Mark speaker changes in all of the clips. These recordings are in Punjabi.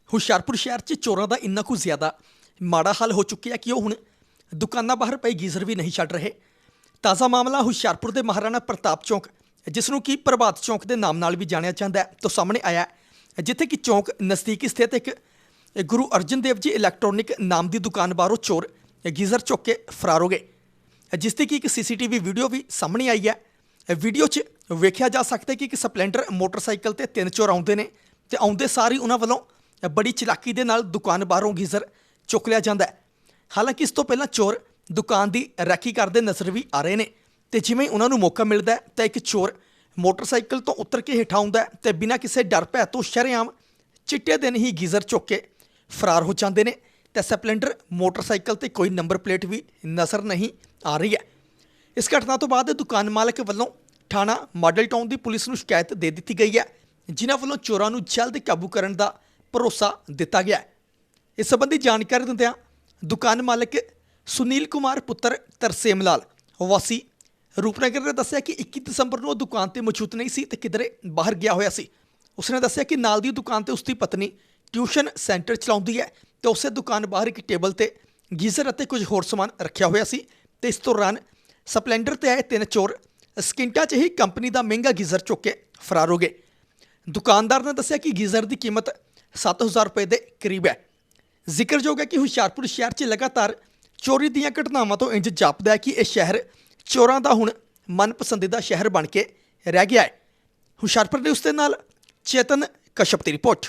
Speaker 1: ਹੁਸ਼ਿਆਰਪੁਰ ਸ਼ਹਿਰ 'ਚ ਚੋਰਾਂ ਦਾ ਇੰਨਾ ਕੁ ਜ਼ਿਆਦਾ ਮਾੜਾ ਹਾਲ ਹੋ ਚੁੱਕਿਆ ਕਿ ਉਹ ਹੁਣ ਦੁਕਾਨਾਂ ਬਾਹਰ ਪਏ ਗੀਜ਼ਰ ਵੀ ਨਹੀਂ ਛੱਡ ਰਹੇ। ਤਾਜ਼ਾ ਮਾਮਲਾ ਹੁਸ਼ਿਆਰਪੁਰ ਦੇ ਮਹਾਰਾਣਾ ਪ੍ਰਤਾਪ ਚੌਂਕ, ਜਿਸ ਨੂੰ ਕਿ ਪ੍ਰਭਾਤ ਚੌਂਕ ਦੇ ਨਾਮ ਨਾਲ ਵੀ ਜਾਣਿਆ ਜਾਂਦਾ ਹੈ, ਤੋਂ ਸਾਹਮਣੇ ਆਇਆ ਹੈ, ਜਿੱਥੇ ਕਿ ਚੌਂਕ ਨਜ਼ਦੀਕ ਸਥਿਤ ਇੱਕ ਗੁਰੂ ਅਰਜਨ ਦੇਵ ਜੀ ਇਲੈਕਟ੍ਰੋਨਿਕ ਨਾਮ ਦੀ ਦੁਕਾਨ ਬਾਹਰੋਂ ਚੋਰ ਗੀਜ਼ਰ ਚੁੱਕ ਕੇ ਫਰਾਰ ਹੋ ਗਏ, ਜਿਸ ਦੀ ਕਿ ਇੱਕ ਸੀਸੀਟੀਵੀ ਵੀਡੀਓ ਵੀ ਸਾਹਮਣੇ ਆਈ ਹੈ। ਵੀਡੀਓ 'ਚ ਵੇਖਿਆ ਜਾ ਸਕਦਾ ਹੈ ਕਿ ਇੱਕ ਸਪਲੈਂਡਰ ਮੋਟਰਸਾਈਕਲ ਤੇ 3 ਚੋਰ ਆਉਂਦੇ ਨੇ ਤੇ ਆਉਂਦੇ ਸਾਰ ਹੀ ਉਹਨਾਂ ਵੱਲੋਂ ਬੜੀ ਚਲਾਕੀ ਦੇ ਨਾਲ ਦੁਕਾਨ ਬਾਹਰੋਂ ਗੀਜ਼ਰ ਚੁੱਕ ਲਿਆ ਜਾਂਦਾ ਹੈ। ਹਾਲਾਂਕਿ ਇਸ ਤੋਂ ਪਹਿਲਾਂ ਚੋਰ ਦੁਕਾਨ ਦੀ ਰਾਖੀ ਕਰਦੇ ਨਜ਼ਰ ਵੀ ਆ ਰਹੇ ਨੇ ਤੇ ਜਿਵੇਂ ਉਹਨਾਂ ਨੂੰ ਮੌਕਾ ਮਿਲਦਾ ਹੈ ਤਾਂ ਇੱਕ ਚੋਰ ਮੋਟਰਸਾਈਕਲ ਤੋਂ ਉਤਰ ਕੇ ਹੇਠਾਂ ਆਉਂਦਾ ਹੈ ਤੇ ਬਿਨਾਂ ਕਿਸੇ ਡਰ ਭੈ ਤੋਂ ਸ਼ਰੇਆਮ ਚਿੱਟੇ ਦਿਨ ਹੀ ਗੀਜ਼ਰ ਚੁੱਕ ਕੇ ਫਰਾਰ ਹੋ ਜਾਂਦੇ ਨੇ ਤੇ ਸਪਲੈਂਡਰ ਮੋਟਰਸਾਈਕਲ ਤੇ ਕੋਈ ਨੰਬਰ ਪਲੇਟ ਵੀ ਨਜ਼ਰ ਨਹੀਂ ਆ ਰਹੀ ਹੈ। ਇਸ ਘਟਨਾ ਤੋਂ ਬਾਅਦ ਦੁਕਾਨ ਮਾਲਕ ਵੱਲੋਂ ਥਾਣਾ ਮਾਡਲ ਟਾਊਨ ਦੀ ਪੁਲਿਸ ਨੂੰ ਸ਼ਿਕਾਇਤ ਦੇ ਦਿੱਤੀ ਗਈ ਹੈ, ਜਿਨ੍ਹਾਂ ਵੱਲੋਂ ਚੋਰਾਂ ਨੂੰ ਜਲਦ ਕਾਬੂ ਕਰਨ ਦਾ ਭਰੋਸਾ ਦਿੱਤਾ ਗਿਆ ਹੈ। ਇਸ ਸੰਬੰਧੀ ਜਾਣਕਾਰੀ ਦਿੰਦਿਆਂ ਦੁਕਾਨ ਮਾਲਕ ਸੁਨੀਲ ਕੁਮਾਰ ਪੁੱਤਰ ਤਰਸੇਮ ਲਾਲ ਵਾਸੀ ਰੂਪਨਗਰ ਨੇ ਦੱਸਿਆ ਕਿ 21 ਦਸੰਬਰ ਨੂੰ ਉਹ ਦੁਕਾਨ ਤੇ ਮੌਜੂਦ ਨਹੀਂ ਸੀ ਤੇ ਕਿਧਰੇ ਬਾਹਰ ਗਿਆ ਹੋਇਆ ਸੀ। ਉਸਨੇ ਦੱਸਿਆ ਕਿ ਨਾਲ ਦੀ ਦੁਕਾਨ ਤੇ ਉਸਦੀ ਪਤਨੀ ਟਿਊਸ਼ਨ ਸੈਂਟਰ ਚਲਾਉਂਦੀ ਹੈ ਤੇ ਉਸੇ ਦੁਕਾਨ ਬਾਹਰ ਇੱਕ ਟੇਬਲ ਤੇ ਗੀਜ਼ਰ ਅਤੇ ਕੁਝ ਹੋਰ ਸਮਾਨ ਰੱਖਿਆ ਹੋਇਆ ਸੀ ਤੇ ਇਸ ਦੌਰਾਨ ਸਪਲੈਂਡਰ ਤੇ ਆਏ 3 ਚੋਰ ਸਕਿੰਟਾਂ 'ਚ ਹੀ ਕੰਪਨੀ ਦਾ ਮਹਿੰਗਾ ਗੀਜ਼ਰ ਚੁੱਕ ਕੇ ਫਰਾਰ ਹੋ ਗਏ। ਦੁਕਾਨਦਾਰ ਨੇ ਦੱਸਿਆ ਕਿ ਗੀਜ਼ਰ ਦੀ ਕੀਮਤ 7000 ਰੁਪਏ ਦੇ ਕਰੀਬ ਹੈ। ਜ਼ਿਕਰਯੋਗ ਹੈ ਕਿ ਹੁਸ਼ਿਆਰਪੁਰ ਸ਼ਹਿਰ 'ਚ ਲਗਾਤਾਰ ਚੋਰੀ ਦੀਆਂ ਘਟਨਾਵਾਂ ਤੋਂ ਇੰਜ ਜਾਪਦਾ ਹੈ ਕਿ ਇਹ ਸ਼ਹਿਰ ਚੋਰਾਂ ਦਾ ਹੁਣ ਮਨਪਸੰਦੀਦਾ ਸ਼ਹਿਰ ਬਣ ਕੇ ਰਹਿ ਗਿਆ ਹੈ। ਹੁਸ਼ਿਆਰਪੁਰ ਨਿਊਜ਼ ਦੇ ਨਾਲ ਚੇਤਨ ਕਸ਼ਪ ਦੀ ਰਿਪੋਰਟ।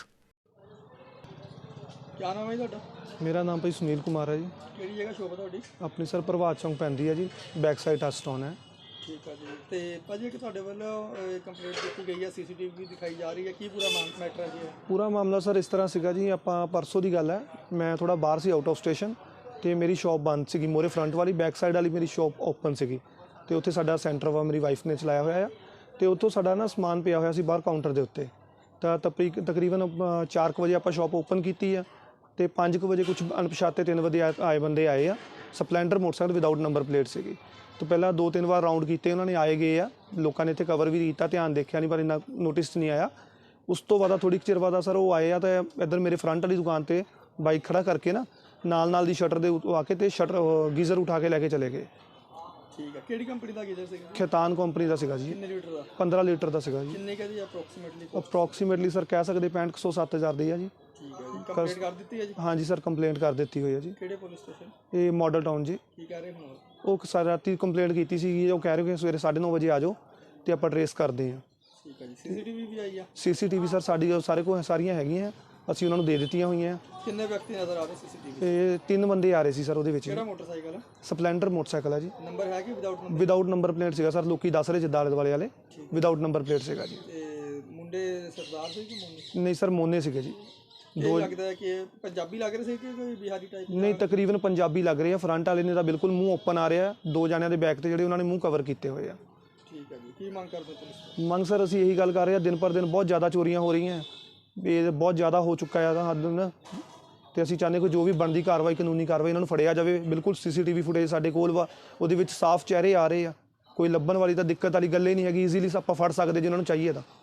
Speaker 1: क्या नाम है ਤੁਹਾਡਾ?
Speaker 2: ਮੇਰਾ ਨਾਮ ਭਾਈ ਸੁਨੀਲ ਕੁਮਾਰ ਹੈ ਜੀ।
Speaker 1: ਕਿਹੜੀ ਜਗ੍ਹਾ ਸ਼ੋਪ ਹੈ ਤੁਹਾਡੀ?
Speaker 2: ਆਪਣੀ ਸਰ ਪ੍ਰਭਾਤ ਚੌਂਕ ਪੈਂਦੀ ਹੈ ਜੀ, ਬੈਕ ਸਾਈਡ ਟੱਚਸਟੋਨ ਹੈ।
Speaker 1: ਠੀਕ ਹੈ ਜੀ। ਤੇ ਭਾਜੀ ਕਿ ਤੁਹਾਡੇ ਵੱਲੋਂ ਕੰਪਲੇਂਟ ਕੀਤੀ ਗਈ ਹੈ, ਸੀਸੀਟੀਵੀ ਦਿਖਾਈ ਜਾ ਰਹੀ ਹੈ, ਕੀ ਪੂਰਾ ਮੈਟਰ ਹੈ ਜੀ?
Speaker 2: ਪੂਰਾ ਮਾਮਲਾ ਸਰ ਇਸ ਤਰ੍ਹਾਂ ਸੀਗਾ ਜੀ, ਆਪਾਂ ਪਰਸੋਂ ਦੀ ਗੱਲ ਹੈ, ਮੈਂ ਥੋੜਾ ਬਾਹਰ ਸੀ ਆਊਟ ਆਫ ਸਟੇਸ਼ਨ ਤੇ ਮੇਰੀ ਸ਼ਾਪ ਬੰਦ ਸੀਗੀ, ਮੋਰੇ ਫਰੰਟ ਵਾਲੀ, ਬੈਕ ਸਾਈਡ ਵਾਲੀ ਮੇਰੀ ਸ਼ਾਪ ਓਪਨ ਸੀਗੀ ਤੇ ਉੱਥੇ ਸਾਡਾ ਸੈਂਟਰ ਵਾ ਮੇਰੀ ਵਾਈਫ ਨੇ ਚਲਾਇਆ ਹੋਇਆ ਆ ਤੇ ਉੱਥੋਂ ਸਾਡਾ ਨਾ ਸਮਾਨ ਪਿਆ ਹੋਇਆ ਸੀ ਬਾਹਰ ਕਾਊਂਟਰ ਦੇ ਉੱਤੇ। ਤਾਂ ਤਕਰੀਬਨ 4 ਵਜੇ ਆਪਾਂ ਸ਼ਾਪ ਓਪਨ ਕੀਤੀ ਆ ਤੇ 5 ਵਜੇ ਕੁਝ ਅਣਪਛਾਤੇ 3 ਵਜੇ ਆਏ ਬੰਦੇ ਆਏ ਆ, Splendor motorcycle without number plate ਸੀਗੀ। ਤੋਂ ਪਹਿਲਾਂ 2-3 ਵਾਰ ਰਾਊਂਡ ਕੀਤੇ ਉਹਨਾਂ ਨੇ, ਆਏ ਗਏ ਆ, ਲੋਕਾਂ ਨੇ ਇੱਥੇ ਕਵਰ ਵੀ ਕੀਤਾ, ਧਿਆਨ ਦੇਖਿਆ ਨਹੀਂ ਪਰ ਇੰਨਾ ਨੋਟਿਸ ਨਹੀਂ ਆਇਆ। ਉਸ ਤੋਂ ਬਾਅਦ ਥੋੜ੍ਹੀ ਚਿਰ ਬਾਅਦ ਸਰ ਉਹ ਆਏ ਆ ਤਾਂ ਇੱਧਰ ਮੇਰੇ ਫਰੰਟ ਵਾਲੀ ਦੁਕਾਨ 'ਤੇ ਬਾਈਕ ਖੜਾ ਕਰਕੇ ਨਾ ਨਾਲ ਦੀ ਸ਼ਟਰ ਦੇ ਉੱਤੋਂ ਆ ਕੇ ਤੇ ਸ਼ਟਰ ਗੀਜ਼ਰ ਉਠਾ ਕੇ ਲੈ ਕੇ ਚਲੇ ਗਏ।
Speaker 1: ਠੀਕ ਹੈ। ਕਿਹੜੀ ਕੰਪਨੀ ਦਾ ਗੀਜ਼ਰ ਸੀਗਾ?
Speaker 2: ਖੈਤਾਨ ਕੰਪਨੀ ਦਾ ਸੀਗਾ ਜੀ।
Speaker 1: ਕਿੰਨੇ ਲੀਟਰ ਦਾ?
Speaker 2: 15 ਲੀਟਰ ਦਾ ਸੀਗਾ ਜੀ।
Speaker 1: ਕਿੰਨੇ ਕਹਦੀ ਅਪਰੋਕਸੀਮੇਟਲੀ?
Speaker 2: ਅਪਰੋਕਸੀਮੇਟਲੀ ਸਰ ਕਹਿ ਸਕਦੇ 65-7000 ਦੀ ਆ ਜੀ।
Speaker 1: ਠੀਕ ਹੈ ਜੀ। ਕੰਪਲੇਂਟ ਕਰ ਦਿੱਤੀ ਹੈ ਜੀ?
Speaker 2: ਹਾਂਜੀ ਸਰ, ਕੰਪਲੇਂਟ ਕਰ ਦਿੱਤੀ ਹੋਈ ਹੈ ਜੀ।
Speaker 1: ਕਿਹੜੇ ਪੁਲਿਸ ਸਟੇਸ਼ਨ?
Speaker 2: ਇਹ ਮਾਡਲ ਟਾਊਨ ਜੀ।
Speaker 1: ਕੀ ਕਹਿ ਰਹੇ ਹੁਣ?
Speaker 2: ਉਹ ਸਾਰੀ ਰਾਤੀ ਕੰਪਲੇਂਟ ਕੀਤੀ ਸੀਗੀ, ਉਹ ਕਹਿ ਰਹੇ ਕਿ ਸਵੇਰੇ 9:30 ਵਜੇ ਆ ਜਾਓ ਤੇ ਆਪਾਂ ਟਰੇਸ ਕਰਦੇ ਹਾਂ।
Speaker 1: ਠੀਕ ਹੈ ਜੀ। ਸੀਸੀਟੀਵੀ ਵੀ ਆਈ ਆ?
Speaker 2: ਸੀਸੀਟੀਵੀ ਸਰ ਸਾਡੀ ਸਾਰੇ ਕੋਲ ਸਾਰੀਆਂ ਹੈਗੀਆਂ, ਅਸੀਂ ਉਹਨਾਂ ਨੂੰ ਦੇ ਦਿੱਤੀਆਂ ਹੋਈਆਂ।
Speaker 1: ਕਿੰਨੇ ਵਿਅਕਤੀ ਨਜ਼ਰ ਆ ਰਹੇ ਸੀਸੀਟੀਵੀ?
Speaker 2: ਤੇ 3 ਬੰਦੇ ਆ ਰਹੇ ਸੀ ਸਰ ਉਹਦੇ ਵਿੱਚ।
Speaker 1: ਕਿਹੜਾ ਮੋਟਰਸਾਈਕਲ ਹੈ?
Speaker 2: ਸਪਲੈਂਡਰ ਮੋਟਰਸਾਈਕਲ ਹੈ ਜੀ।
Speaker 1: ਨੰਬਰ ਹੈ ਕਿ without number?
Speaker 2: Without number plate ਸੀਗਾ ਸਰ, ਲੋਕੀ ਦੱਸ ਰਹੇ ਜਿੱਦਾਂ ਆਲੇ ਦੁਆਲੇ ਵਾਲੇ, ਵਿਦਆਊਟ ਨੰਬਰ ਪਲੇਟ ਸੀਗਾ ਜੀ।
Speaker 1: ਤੇ ਮੁੰਡੇ ਸਰਦਾਰ ਸੀ ਕਿ ਮੋਨੇ?
Speaker 2: ਨਹੀਂ ਸਰ, ਮੋਨੇ ਸੀਗੇ ਜੀ।
Speaker 1: ਦੋ ਲੱਗਦਾ ਹੈ ਕਿ ਪੰਜਾਬੀ ਲੱਗ ਰਹੇ ਸੀ ਕਿ ਕੋਈ ਬਿਹਾਰੀ ਟਾਈਪ?
Speaker 2: ਨਹੀਂ, ਤਕਰੀਬਨ ਪੰਜਾਬੀ ਲੱਗ ਰਹੇ ਆ। ਫਰੰਟ ਵਾਲੇ ਨੇ ਤਾਂ ਬਿਲਕੁਲ ਮੂੰਹ ਓਪਨ ਆ ਰਿਹਾ, 2 ਜਾਣਿਆਂ ਦੇ ਬੈਕ ਤੇ ਜਿਹੜੇ ਉਹਨਾਂ ਨੇ ਮੂੰਹ ਕਵਰ ਕੀਤੇ ਹੋਏ ਆ।
Speaker 1: ਠੀਕ ਹੈ ਜੀ। ਕੀ ਮੰਗ ਕਰਦੇ ਪੁਲਿਸ?
Speaker 2: ਮੰਗ ਸਰ ਅਸੀਂ ਇਹੀ ਗੱਲ ਕਰ ਰਹੇ ਆ, ਦਿਨ ਪਰ ਦਿਨ ਬਹੁਤ ਜ਼ਿਆਦਾ ਚੋਰੀਆਂ ਹੋ ਰਹੀਆਂ, ਇਹ ਬਹੁਤ ਜ਼ਿਆਦਾ ਹੋ ਚੁੱਕਾ ਹੈ ਤਾਂ ਹੱਦ ਨਾ, ਤੇ ਅਸੀਂ ਚਾਹੁੰਦੇ ਕਿ ਜੋ ਵੀ ਬਣਦੀ ਕਾਰਵਾਈ, ਕਾਨੂੰਨੀ ਕਾਰਵਾਈ ਇਹਨਾਂ ਨੂੰ ਫੜਿਆ ਜਾਵੇ। ਬਿਲਕੁਲ ਸੀਸੀਟੀਵੀ ਫੁਟੇਜ ਸਾਡੇ ਕੋਲ ਵਾ, ਉਹਦੇ ਵਿੱਚ ਸਾਫ਼ ਚਿਹਰੇ ਆ ਰਹੇ ਆ, ਕੋਈ ਲੱਭਣ ਵਾਲੀ ਤਾਂ ਦਿੱਕਤ ਵਾਲੀ ਗੱਲ ਹੀ ਨਹੀਂ ਹੈਗੀ, ਈਜ਼ੀਲੀ ਆਪਾਂ ਫੜ ਸਕਦੇ ਜਿਨ੍ਹਾਂ ਨੂੰ ਚਾਹੀਏ ਤਾਂ।